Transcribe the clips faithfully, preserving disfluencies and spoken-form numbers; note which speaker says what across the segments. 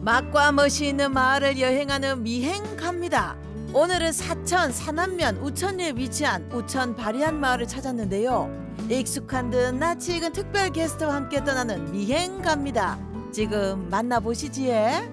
Speaker 1: 맛과 멋이 있는 마을을 여행하는 미행 갑니다. 오늘은 사천 산안면 우천리에 위치한 우천 바리안 마을을 찾았는데요. 익숙한 듯 낯이 익은 특별 게스트와 함께 떠나는 미행 갑니다. 지금 만나보시지에.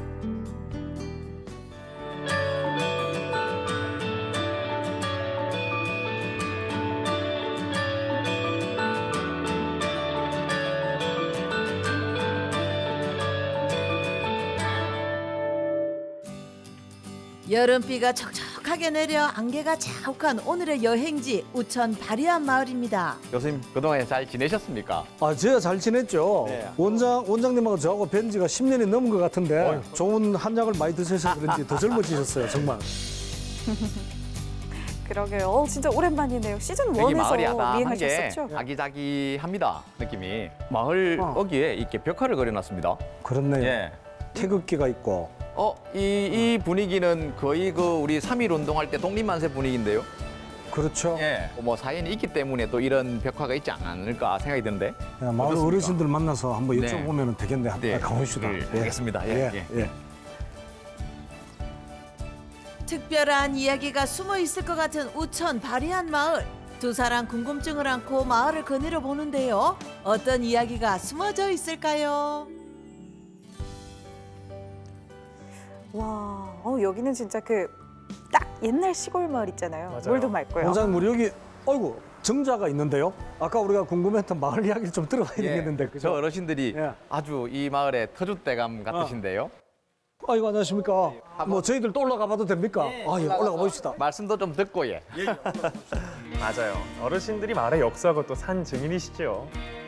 Speaker 1: 여름비가 촉촉하게 내려 안개가 자욱한 오늘의 여행지 우천 바리안 마을입니다.
Speaker 2: 교수님 그동안 잘 지내셨습니까?
Speaker 3: 아, 제가 잘 지냈죠.
Speaker 2: 네.
Speaker 3: 원장, 원장님하고 저하고 뵌 지가 십 년이 넘은 것 같은데 좋은 한약을 많이 드셔서 그런지 더 젊어지셨어요, 정말.
Speaker 4: 그러게요. 어, 진짜 오랜만이네요. 시즌
Speaker 2: 여기
Speaker 4: 원에서
Speaker 2: 마을이 아담한 게
Speaker 4: 미행하셨었죠?
Speaker 2: 아기자기합니다, 느낌이. 마을
Speaker 3: 어.
Speaker 2: 어귀에 이렇게 벽화를 그려놨습니다.
Speaker 3: 그렇네요.
Speaker 2: 예.
Speaker 3: 태극기가 있고.
Speaker 2: 어, 이, 이 분위기는 거의 그 우리 삼일 운동할 때 독립만세 분위기인데요.
Speaker 3: 그렇죠.
Speaker 2: 예. 뭐 사연이 있기 때문에 또 이런 벽화가 있지 않을까 생각이 드는데.
Speaker 3: 야, 마을
Speaker 2: 어떻습니까?
Speaker 3: 어르신들 만나서 한번
Speaker 2: 네.
Speaker 3: 여쭤보면 되겠네. 한번
Speaker 2: 네.
Speaker 3: 가봅시다.
Speaker 2: 네,
Speaker 3: 예.
Speaker 2: 알겠습니다. 예,
Speaker 3: 예,
Speaker 2: 예.
Speaker 3: 예.
Speaker 1: 특별한 이야기가 숨어 있을 것 같은 우천 바리안 마을. 두 사람 궁금증을 안고 마을을 거닐어 보는데요. 어떤 이야기가 숨어져 있을까요?
Speaker 4: 와, 어, 여기는 진짜 그 딱 옛날 시골 마을 있잖아요.
Speaker 5: 맞아요.
Speaker 4: 물도 맑고요.
Speaker 3: 원장님, 우리 여기, 어이구, 정자가 있는데요. 아까 우리가 궁금했던 마을 이야기를 좀 들어가야
Speaker 2: 예.
Speaker 3: 되겠는데.
Speaker 2: 저
Speaker 3: 그죠?
Speaker 2: 어르신들이
Speaker 3: 예.
Speaker 2: 아주 이 마을의 터줏대감 같으신데요.
Speaker 3: 아이고, 안녕하십니까. 뭐 저희들 또 올라가 봐도 됩니까? 아, 예, 올라가 봅시다.
Speaker 2: 말씀도 좀 듣고 예.
Speaker 5: 맞아요. 어르신들이 마을의 역사하고 또 산 증인이시죠.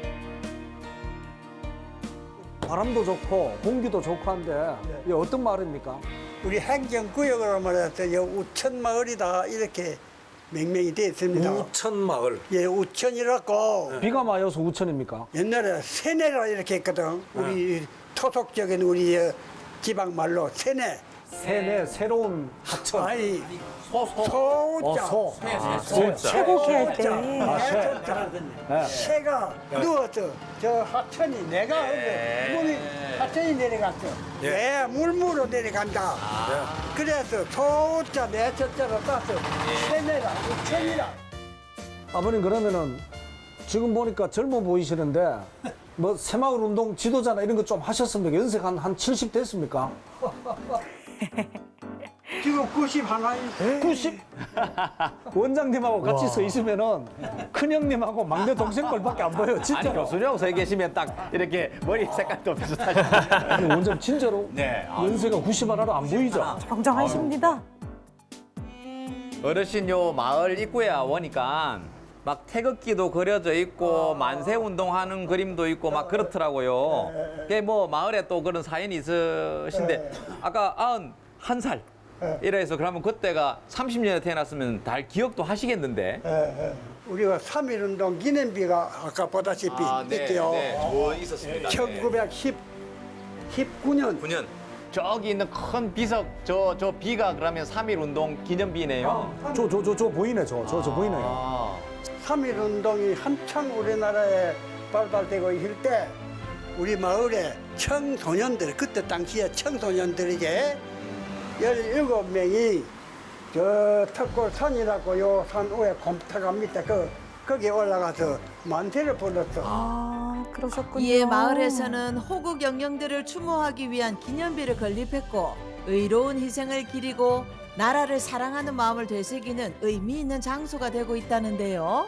Speaker 3: 바람도 좋고 공기도 좋고 한데 이게 어떤 마을입니까?
Speaker 6: 우리 행정구역으로 말해서 여 우천마을이다 이렇게 명명이 되어 있습니다.
Speaker 3: 우천마을.
Speaker 6: 예, 우천이라고
Speaker 3: 비가 마여서 우천입니까?
Speaker 6: 옛날에 세내라 이렇게 했거든. 우리 토속적인 우리 어, 지방 말로 세내.
Speaker 3: 새내 새로운 하천.
Speaker 6: 아니 소자.
Speaker 3: 어, 소. 소.
Speaker 4: 쇠고기 할 때.
Speaker 3: 아, 새. 네.
Speaker 6: 새가 누워서 저 하천이 내가 물이 하천이 내려갔어. 네, 물무로 내려간다. 그래서 소자 내 첫자로 따서 세내라 우천이라.
Speaker 3: 아버님, 그러면은 지금 보니까 젊어 보이시는데 뭐 새마을 운동 지도자나 이런 거 좀 하셨습니까? 연세가 한, 한 칠십 됐습니까?
Speaker 6: 지금 구십 하나.
Speaker 3: 구십? 원장님하고 같이 서 있으면은 큰형님하고 막내 동생 걸밖에 안 보여요,
Speaker 2: 아니
Speaker 3: 진짜.
Speaker 2: 교수님 서 계시면 딱 이렇게 머리 색깔도 비슷하시고.
Speaker 3: 아니, 원장 진짜로
Speaker 2: 네. 아,
Speaker 3: 연세가 구십 하나로 안 보이죠?
Speaker 4: 정정하십니다.
Speaker 2: 어르신 요 마을 입구에 오니까 막 태극기도 그려져 있고 만세 운동하는 그림도 있고 막 그렇더라고요. 그게 뭐 마을에 또 그런 사연이 있으신데 아까 아흔한 살 이래서 그러면 그때가 삼십 년에 태어났으면 달 기억도 하시겠는데.
Speaker 6: 예, 예. 우리가 삼일운동 기념비가 아까 보다시피 있대요.
Speaker 2: 저 있었습니다.
Speaker 6: 천구백십구 년.
Speaker 2: 구 년. 저기 있는 큰 비석 저 저 비가 그러면 삼일 운동 기념비네요.
Speaker 3: 저, 저, 저, 저 보이네, 저, 저, 저 보이네요.
Speaker 2: 아.
Speaker 6: 삼일운동이 한창 우리나라에 발달되고 있을 때 우리 마을에 청소년들, 그때 당시에 청소년들에게 열일곱 명이 저 턱골산이라고 요 산 위에 곰탕가 밑에 그 거기 올라가서 만세를 불렀어.
Speaker 4: 아, 그러셨군요.
Speaker 1: 이에 마을에서는 호국 영령들을 추모하기 위한 기념비를 건립했고 의로운 희생을 기리고 나라를 사랑하는 마음을 되새기는 의미 있는 장소가 되고 있다는데요.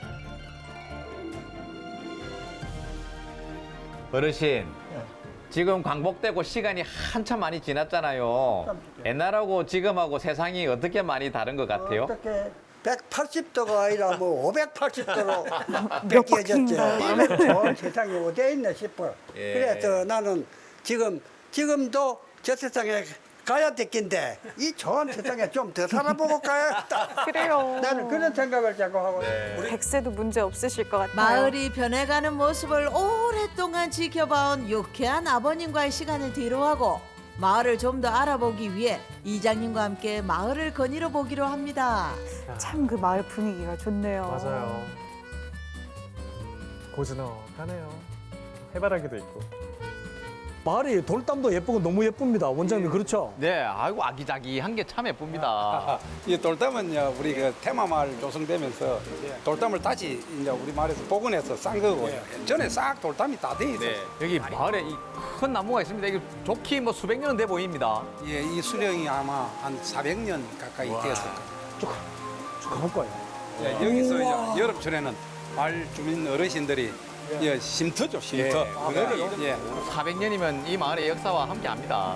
Speaker 2: 어르신, 지금 광복되고 시간이 한참 많이 지났잖아요. 옛날하고 지금하고 세상이 어떻게 많이 다른 것 같아요?
Speaker 6: 어떻게 백팔십 도가 아니라 뭐 오백팔십 도로
Speaker 4: 몇
Speaker 6: 바뀌어졌지.
Speaker 4: 바퀴인가요?
Speaker 6: 이런 세상이 어디에 있나 싶어.
Speaker 2: 예.
Speaker 6: 그래서 나는 지금 지금도 저 세상에 가야 될 낀데 이 좋은 세상에 좀 더 살아보고 가야겠다.
Speaker 4: 그래요.
Speaker 6: 나는 그런 생각을 자꾸 하고.
Speaker 4: 백세도 문제 없으실 것 같아요.
Speaker 1: 마을이 변해가는 모습을 오랫동안 지켜봐온 유쾌한 아버님과의 시간을 뒤로하고 마을을 좀 더 알아보기 위해 이장님과 함께 마을을 거닐어 보기로 합니다.
Speaker 4: 참 그 마을 분위기가 좋네요.
Speaker 5: 맞아요. 고즈넉하네요. 해바라기도 있고.
Speaker 3: 마을이 돌담도 예쁘고 너무 예쁩니다. 원장님 그렇죠?
Speaker 2: 네, 아이고 아기자기한 게 참 예쁩니다.
Speaker 7: 이 돌담은요 우리 그 테마마을 조성되면서 돌담을 다시 이제 우리 마을에서 복원해서 싼 거고요. 전에 싹 돌담이 다 돼 있어요.
Speaker 2: 네, 여기 마을에 이 큰 나무가 있습니다. 이게 좋기 뭐 수백 년은 돼 보입니다.
Speaker 7: 예, 이 수령이 아마 한 사백 년 가까이 되었을 거예요.
Speaker 3: 쭉, 쭉 가볼까요?
Speaker 7: 예, 여기서 이제 여름철에는 마을 주민 어르신들이 예, 쉼터죠, 쉼터. 그거를 예.
Speaker 2: 사백 년이면 이 마을의 역사와 함께합니다.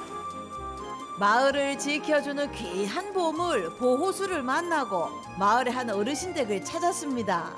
Speaker 1: 마을을 지켜주는 귀한 보물 보호수를 만나고 마을의 한 어르신 댁을 찾았습니다.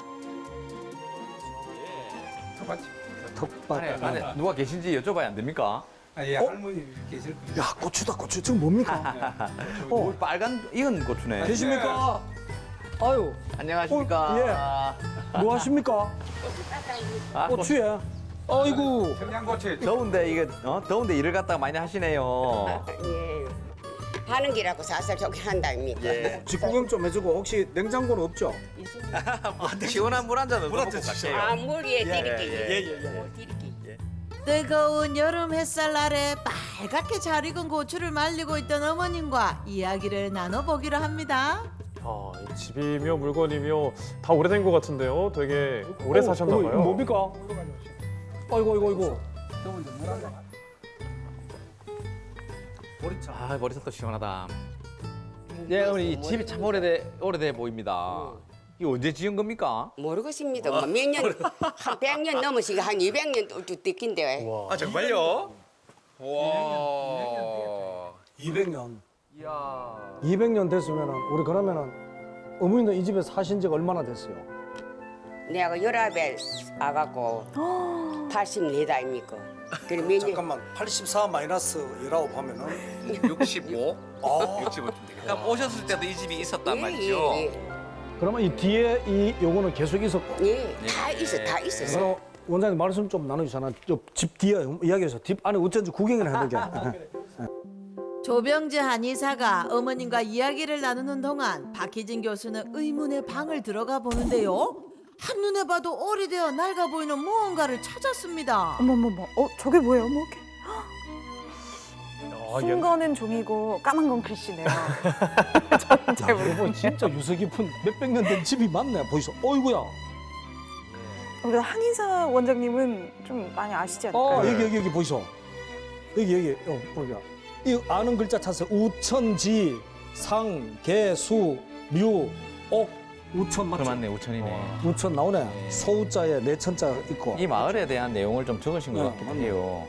Speaker 3: 턱밭.
Speaker 2: 안에, 안에 누가 계신지 여쭤봐야 안 됩니까?
Speaker 7: 아, 예, 할머니 계실 거예요.
Speaker 3: 야, 고추다, 고추. 지금 뭡니까?
Speaker 2: 어, 빨간 익은 고추네.
Speaker 3: 계십니까? 아유,
Speaker 2: 안녕하십니까?
Speaker 3: 뭐 하십니까?
Speaker 2: 아,
Speaker 3: 고추에. 아이고.
Speaker 7: 청양고추.
Speaker 2: 더운데 이게 어? 더운데 일을 갖다가 많이 하시네요.
Speaker 8: 예. 하는 길하고 살살 좋게 한다입니까?
Speaker 2: 예.
Speaker 3: 직구경 좀 해주고 혹시 냉장고는 없죠?
Speaker 2: 시원한 물 한 잔 얻어 먹고 갈게요.
Speaker 8: 아, 물 위에 드릴게요.
Speaker 2: 예, 예,
Speaker 8: 물 드릴게요.
Speaker 1: 뜨거운 여름 햇살 아래 빨갛게 잘 익은 고추를 말리고 있던 어머님과 이야기를 나눠보기로 합니다.
Speaker 5: 아, 이 집이며 물건이며 다 오래된 것 같은데요. 되게 오래
Speaker 3: 어,
Speaker 5: 사셨나
Speaker 3: 어,
Speaker 5: 봐요.
Speaker 3: 이거 뭡니까? 아이고, 아이고, 아이고.
Speaker 2: 아, 머리색도 시원하다. 네, 어머니 이 집이 참 오래돼 오래돼 보입니다. 이거 언제 지은 겁니까?
Speaker 8: 모르겠습니다. 뭐 몇 년, 한 백 년 넘으시고 한 이백 년 또 됐긴데.
Speaker 2: 아 정말요? 와.
Speaker 3: 이백 년.
Speaker 2: 이야.
Speaker 3: 이백 년 됐으면은 우리 그러면은 어머니도 이 집에 사신 지가 얼마나 됐어요?
Speaker 8: 내가 열아홉에 와갖고 팔십사 아닙니까? 그래 몇 년?
Speaker 3: 잠깐만, 팔십사 마이너스 십구 하면은
Speaker 2: 육십오. 아. 육십오. 그럼 오셨을 때도 이 집이 있었단 말이죠.
Speaker 8: 예, 예,
Speaker 3: 그러면 이 뒤에 이 요거는 계속 있었고.
Speaker 8: 예. 예, 다 있어, 다 있었어.
Speaker 3: 그럼 원장님 말씀 좀 나누시잖아. 집 뒤에 이야기해서 집 안에 어쩐지 구경을 해야 되게.
Speaker 1: 조병재 한의사가 어머님과 이야기를 나누는 동안 박희진 교수는 의문의 방을 들어가 보는데요. 한눈에 봐도 오래되어 낡아 보이는 무언가를 찾았습니다.
Speaker 4: 어머머머, 어 저게 뭐예요? 뭐 이렇게
Speaker 5: 아,
Speaker 4: 순
Speaker 5: 옛-
Speaker 4: 거는 종이고 까만 건 글씨네요. 저는 잘 모르겠어요.
Speaker 3: 이거 진짜 유서 깊은 몇백 년 된 집이 맞네. 보이소. 어이구야.
Speaker 4: 우리 한의사 원장님은 좀 많이 아시지 않을까요?
Speaker 3: 어 여기 여기 여기 보이소. 여기 여기 어 보자. 이 아는 글자 찾아서 우천지 상 개수 묘 옥 우천 맞죠?
Speaker 2: 그맞네 우천이네.
Speaker 3: 우천 나오네. 소우자에 내천자 있고.
Speaker 2: 이 마을에 대한 내용을 좀 적으신 것
Speaker 3: 네,
Speaker 2: 같기도
Speaker 3: 맞네.
Speaker 2: 해요.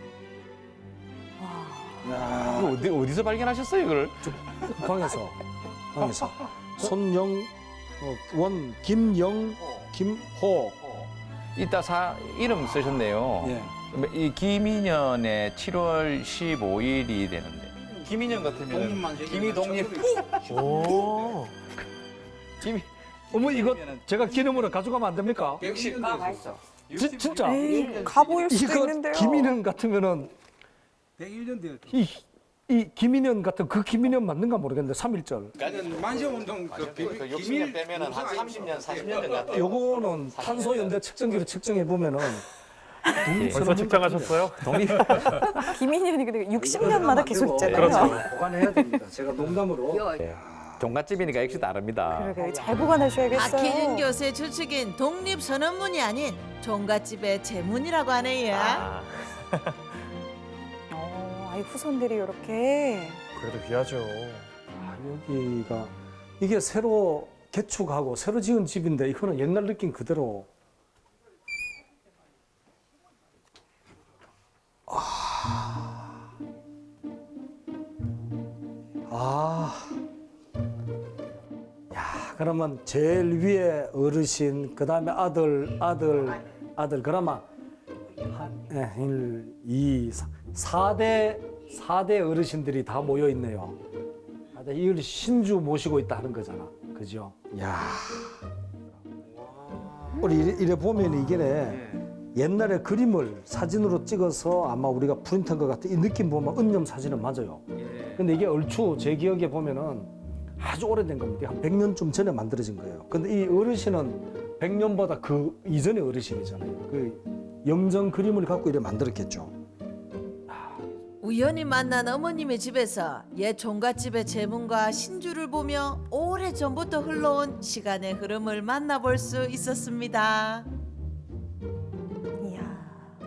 Speaker 3: 야,
Speaker 2: 이거 어디 어디서 발견하셨어요 이걸?
Speaker 3: 방에서 방에서 손영 어, 원 김영 김호
Speaker 2: 이따 사 이름 쓰셨네요.
Speaker 3: 예.
Speaker 2: 이 김인년의 칠월 십오일이 되는데 김인년 같으면 김이독립
Speaker 5: 오.
Speaker 2: 김이
Speaker 3: 어머 이거 제가 기념으로 가져가면 안 됩니까?
Speaker 8: 아, 맛있어.
Speaker 3: 지, 진짜
Speaker 4: 에이, 가보일 수도
Speaker 3: 이거
Speaker 4: 있는데요.
Speaker 3: 김인년 같으면은
Speaker 7: 백일 년 되었죠.
Speaker 3: 이, 이 김인년 같은 그 김인년 맞는가 모르겠는데 삼일절
Speaker 7: 나는 만세운동 그 비밀
Speaker 2: 육십 년 빼면은 한 삼십 년, 사십 년 된 것 같아요.
Speaker 3: 요거는 탄소 연대 측정기로 측정해 보면은
Speaker 5: 벌써 측정하셨어요?
Speaker 2: 독립
Speaker 4: 김인현이 근데 육십 년마다 계속 있잖아요.
Speaker 5: 그렇죠.
Speaker 3: 보관해야 됩니다. 제가 농담으로
Speaker 2: 종갓집이니까 역시 다릅니다.
Speaker 4: 그러게 잘 보관하셔야겠어요.
Speaker 1: 박희진 교수의 추측인 독립선언문이 아닌 종갓집의 제문이라고 하네요.
Speaker 2: 아,
Speaker 4: 어, 아이 후손들이 이렇게
Speaker 5: 그래도 귀하죠.
Speaker 3: 아, 여기가 이게 새로 개축하고 새로 지은 집인데 이거는 옛날 느낌 그대로. 아. 아. 야, 그러면 제일 위에 어르신, 그 다음에 아들, 아들, 아들, 그러면 한, 예, 일, 이, 사, 사대, 사대 어르신들이 다 모여 있네요. 아, 이걸 신주 모시고 있다 하는 거잖아. 그죠? 야. 우리 이래, 이래 보면 이게 옛날에 그림을 사진으로 찍어서 아마 우리가 프린트한 것 같아. 이 느낌 보면 은염 사진은 맞아요. 근데 이게 얼추 제 기억에 보면은 아주 오래된 겁니다. 한 백 년쯤 전에 만들어진 거예요. 근데 이 어르신은 백 년보다 그 이전의 어르신이잖아요. 그 영정 그림을 갖고 이래 만들었겠죠.
Speaker 1: 우연히 만난 어머님의 집에서 옛 종갓집의 재문과 신주를 보며 오래전부터 흘러온 시간의 흐름을 만나볼 수 있었습니다.
Speaker 4: 이야.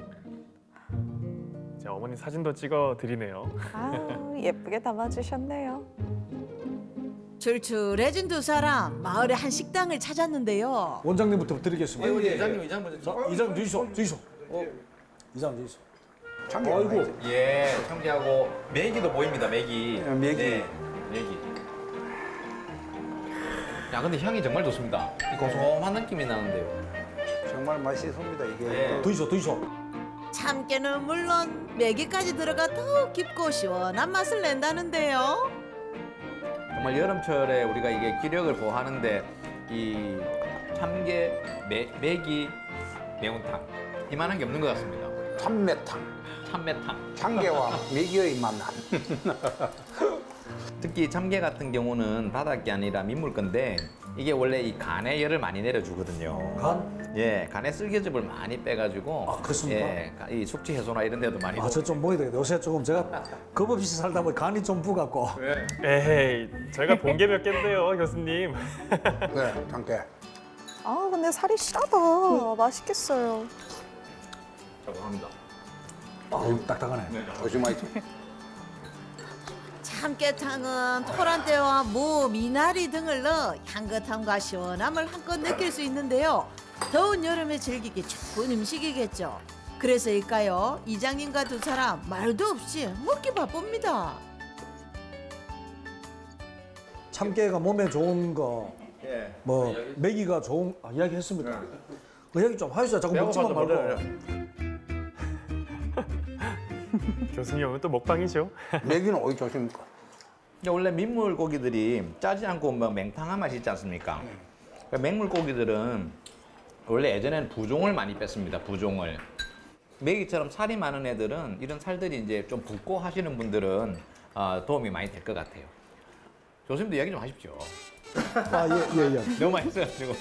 Speaker 5: 제 어머니 사진도 찍어 드리네요.
Speaker 4: 아, 예쁘게 담아주셨네요.
Speaker 1: 출출해진 두 사람 마을의 한 식당을 찾았는데요.
Speaker 3: 원장님부터 드리겠습니다.
Speaker 2: 이장님, 이장님 먼저.
Speaker 3: 자, 이장 주이소, 주이소. 어, 이장 주이소.
Speaker 7: 참깨
Speaker 3: 아이고.
Speaker 2: 예, 청지하고 메기도 보입니다. 메기.
Speaker 7: 어, 메기.
Speaker 2: 네, 메기. 야, 근데 향이 정말 좋습니다. 이 고소한 느낌이 나는데요.
Speaker 7: 정말 맛있습니다 이게.
Speaker 2: 네.
Speaker 3: 두이소, 두이소.
Speaker 1: 참깨는 물론 메기까지 들어가 더욱 깊고 시원한 맛을 낸다는데요.
Speaker 2: 정말 여름철에 우리가 이게 기력을 보호하는데 이 참깨, 매, 메기, 매운탕 이만한 게 없는 것 같습니다.
Speaker 7: 참매탕.
Speaker 2: 참매탕.
Speaker 7: 참깨와 메기의 만남.
Speaker 2: 특히 참깨 같은 경우는 바닥이 아니라 민물 건데 이게 원래 이 간에 열을 많이 내려주거든요.
Speaker 3: 간?
Speaker 2: 예, 간의 쓸개즙을 많이 빼가지고.
Speaker 3: 아, 그렇습니까?
Speaker 2: 예, 이 숙취 해소나 이런 데도 많이.
Speaker 3: 아, 저 좀 보여야 되겠다. 요새 조금 제가 겁 없이 살다 보니 간이 좀 부갖고.
Speaker 5: 에헤이, 제가 본 게 몇 갠데요, 교수님.
Speaker 7: 네, 참깨.
Speaker 4: 아, 근데 살이 실하다. 맛있겠어요.
Speaker 2: 죄송합니다.
Speaker 3: 아유, 딱딱하네.
Speaker 7: 조심하시죠.
Speaker 1: 참깨탕은 토란대와 무, 미나리 등을 넣어 향긋함과 시원함을 한껏 느낄 수 있는데요. 더운 여름에 즐기기 좋은 음식이겠죠. 그래서일까요? 이장님과 두 사람 말도 없이 먹기 바쁩니다.
Speaker 3: 참깨가 몸에 좋은 거,
Speaker 2: 예.
Speaker 3: 뭐 메기가 좋은 아, 이야기했습니다. 그 이야기 좀 하시죠. 자꾸 먹지만 말고.
Speaker 5: 교수님 오늘 또 먹방이죠.
Speaker 7: 메기는 어디 조심입니까?
Speaker 2: 이제 원래 민물 고기들이 짜지 않고 뭐 맹탕한 맛이 있지 않습니까? 그러니까 맹물 고기들은 원래 예전에는 부종을 많이 뺐습니다. 부종을. 메기처럼 살이 많은 애들은 이런 살들이 이제 좀 붓고 하시는 분들은 어, 도움이 많이 될 것 같아요. 교수님도 이야기 좀 하십시오.
Speaker 3: 아, 예, 예, 예.
Speaker 2: 너무 맛있어가지고.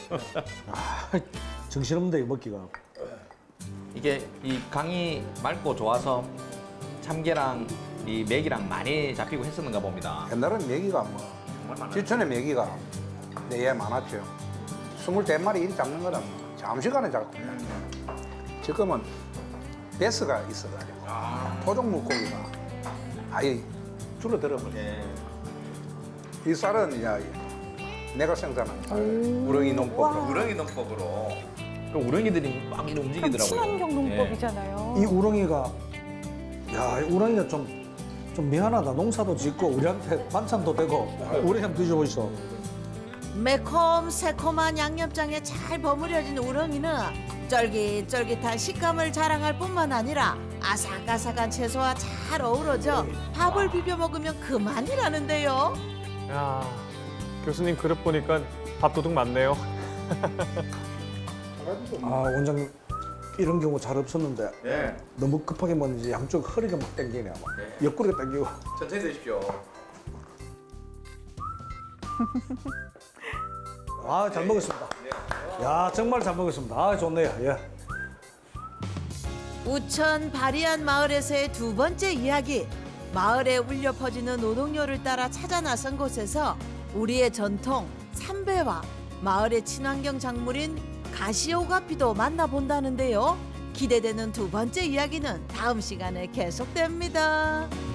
Speaker 3: 정신없는데 이거 먹기가.
Speaker 2: 이게 이 강이 맑고 좋아서 참깨랑 이 메기랑 많이 잡히고 했었는가 봅니다.
Speaker 7: 옛날엔 메기가 뭐 지천에 메기가 내에 많았죠. 스물네 마리 일 잡는 거는 잠시간에 잡고. 지금은 베스가 있어가지고 토종 물고기가 아예 줄어들어버려.
Speaker 2: 예.
Speaker 7: 이 쌀은 이제 내가 생산한 쌀, 우렁이 농법으로.
Speaker 2: 우렁이 농법으로. 그 우렁이들이 막 이렇게 움직이더라고요.
Speaker 4: 친환경 농법이잖아요.
Speaker 3: 이 우렁이가 야, 이 우렁이가 좀, 좀 미안하다. 농사도 짓고 우리한테 반찬도 되고 우리 한번 드셔보시오.
Speaker 1: 매콤 새콤한 양념장에 잘 버무려진 우렁이는 쫄깃쫄깃한 식감을 자랑할 뿐만 아니라 아삭아삭한 채소와 잘 어우러져 밥을 비벼 먹으면 그만이라는데요.
Speaker 5: 야, 교수님 그릇 보니까 밥도둑 많네요.
Speaker 3: 아, 원장님 이런 경우 잘 없었는데
Speaker 2: 예.
Speaker 3: 너무 급하게 먹는지 양쪽 허리가 막 당기네. 막. 옆구리가 당기고.
Speaker 2: 천천히 드십시오.
Speaker 3: 아, 잘 먹었습니다. 야, 정말 잘 먹었습니다. 아, 좋네요. 예.
Speaker 1: 우천 바리안 마을에서의 두 번째 이야기. 마을에 울려 퍼지는 노동요를 따라 찾아 나선 곳에서 우리의 전통 삼배와 마을의 친환경 작물인 가시오가피도 만나본다는데요. 기대되는 두 번째 이야기는 다음 시간에 계속됩니다.